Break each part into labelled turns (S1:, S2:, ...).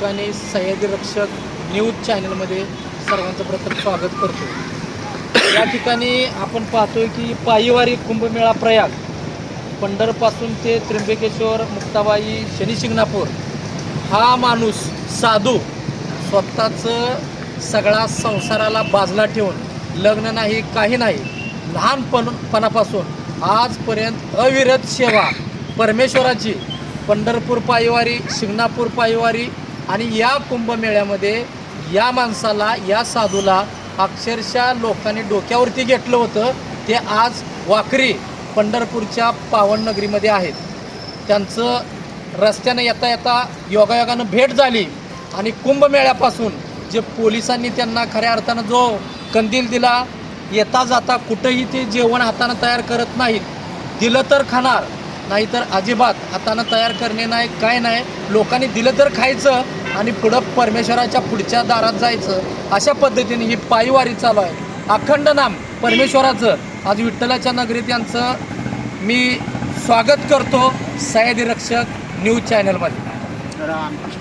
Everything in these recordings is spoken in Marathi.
S1: ठिकाणी सह्याद्री रक्षक न्यूज चॅनलमध्ये सर्वांचं प्रथम स्वागत करतो। या ठिकाणी आपण पाहतोय की पायीवारी कुंभमेळा प्रयाग पंढरपासून ते त्र्यंबकेश्वर, मुक्ताबाई, शनी शिंगणापूर हा माणूस साधू स्वतःचं सगळा संसाराला बाजूला ठेवून लग्न नाही काही नाही लहानपणापासून आजपर्यंत अविरत सेवा परमेश्वराची पंढरपूर पायीवारी, शिंगणापूर पायीवारी आणि या कुंभमेळ्यामध्ये या माणसाला, या साधूला अक्षरशः लोकांनी डोक्यावरती घेतलं होतं। ते आज वाखरी पंढरपूरच्या पावननगरीमध्ये आहेत। त्यांचं रस्त्याने येता येता योगायोगानं भेट झाली आणि कुंभमेळ्यापासून जे पोलिसांनी त्यांना खऱ्या अर्थानं जो कंदील दिला, येता जाता कुठंही ते जेवण हातानं तयार करत नाहीत, दिलं तर खाणार नाहीतर अजिबात हातानं तयार करणे नाही, काय नाही, लोकांनी दिलं तर खायचं आणि पुढं परमेश्वराच्या पुढच्या दारात जायचं। अशा पद्धतीने ही पायीवारी चालू आहे। अखंड नाम परमेश्वराचं। आज विठ्ठलाच्या नगरीत यांचं मी स्वागत करतो सह्याद्री रक्षक न्यूज चॅनलमध्ये।
S2: रामकृष्ण।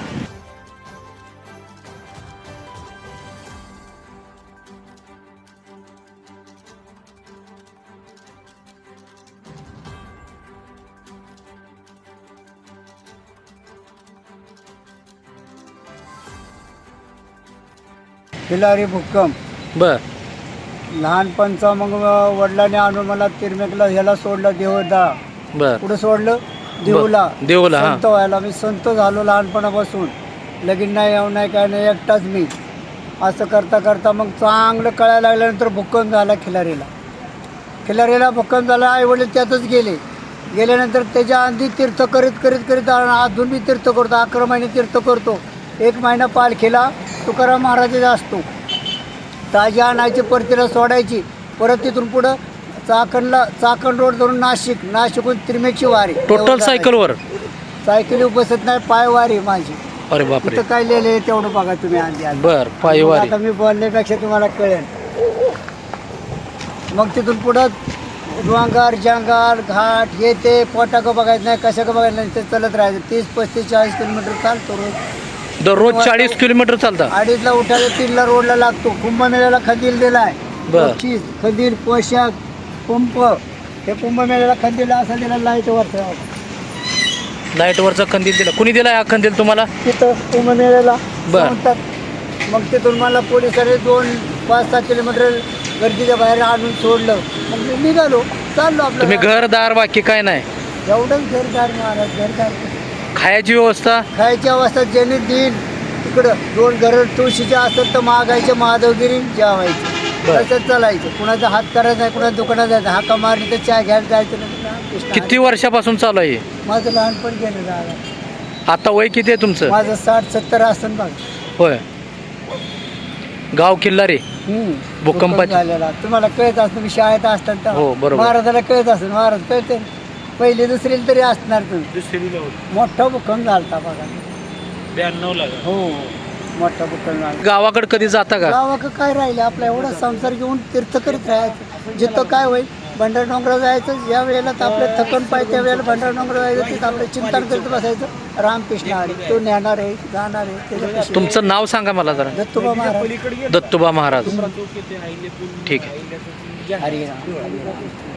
S2: खिलारी भुक्कम
S1: बर
S2: लहानपणचा मग वडिलांनी आणून मला तिरमेकला ह्याला सोडलं, देवदा
S1: बर
S2: कुठं सोडलं, देऊला
S1: देऊला
S2: संत व्हायला। मी संत झालो लहानपणापासून, लगीन नाही येऊ नाही काय नाही, एकटाच मी। असं करता करता मग चांगलं कळायला लागल्यानंतर भुक्कम झाला खिलारीला भुक्कम झाला। आई वडील त्यातच गेल्यानंतर त्याच्या आधी तीर्थ करीत करीत करीत अजून मी तीर्थ करतो, 11 महिने तीर्थ करतो। 1 महिना पालखीला तुकाराम महाराजाचा असतो, ताजी आणायची, परतीला सोडायची, परत तिथून पुढं चाकण रोड धरून नाशिकहून त्रिमेकची वारी।
S1: टोटल सायकलवर?
S2: सायकली बसत नाही, पायवारी माझी।
S1: अरे बापरे,
S2: तिथं काय लिहिलंय तेवढं बघा तुम्ही आधी।
S1: बर पायीवारी।
S2: आता मी बोलण्यापेक्षा तुम्हाला कळेल। मग तिथून पुढं डोंगर जंगल घाट हे ते पोटा का बघायचं नाही, कशा का बघायचं नाही, ते चलत राहायचं। 30, 35, 40 किलोमीटर चालतो
S1: दररोज 40 किलोमीटर चालता?
S2: 2:30ला उठायला, 3ला रोडला लागतो। कुंभमेळ्याला खंदील दिलाय, बक्षीस, खंदील, पोशाख, पंप। हे कुंभमेळ्याला खंदील असा दिला,
S1: लाईटवरचा खंदील दिला? कुणी दिला हा खंदील तुम्हाला?
S2: तिथं कुंभमेळ्याला
S1: बर।
S2: मग तिथून मला पोलिसांनी 2-5-6 किलोमीटर गर्दीच्या बाहेर आणून सोडलं। मग मी निघालो, चाललो आपलं।
S1: तुम्ही घरदार बाकी काय नाही?
S2: एवढंच घरदार महाराज, घरदार।
S1: खायची व्यवस्था?
S2: खायची अवस्था ज्यांनी देईन तिकडं 2 घरं तुळशीचे असतात तर मागायचे, महादेवगिरी जेवायचे, तसंच चालायचं। कुणाचा हात करायचा नाही, कुणाच्या दुकानात जायचं, हाका मारली तर चहा घ्यायला जायचं नाही।
S1: किती वर्षापासून चालू आहे?
S2: माझं लहानपण गेलं दादा।
S1: आता वय किती आहे तुमचं?
S2: माझं 60-70 असतं बघ।
S1: होय। गाव खिल्लारी भूकंपाची
S2: झालेला तुम्हाला कळत असतं, मी शाळेत असतात
S1: हो बरोबर।
S2: महाराजाला कळत असतं, महाराज कळते, पहिली दुसरीला तरी असणार तुम्ही। मोठा भूकंप झाला बघा
S1: 92ला।
S2: हो, मोठा भूकंप झाला।
S1: गावाकडे कधी जाता का?
S2: गावाकडे काय राहिले, आपला एवढा संसार घेऊन तीर्थ करीत राहायचं। जिथं काय होईल भंडार डोंगरा जायचं, ज्या वेळेला तर आपलं थकन पाहिजे त्या वेळेला भंडार डोंगरा जायचं, तिथं आपलं चिंतन करीत बसायचं। रामकृष्ण हरी, तो नेणार आहे, जाणार आहे।
S1: तुमचं नाव सांगा मला जरा?
S2: दत्तोबा महाराज।
S1: दत्तोबा महाराज, ठीक आहे।
S2: हरी राम।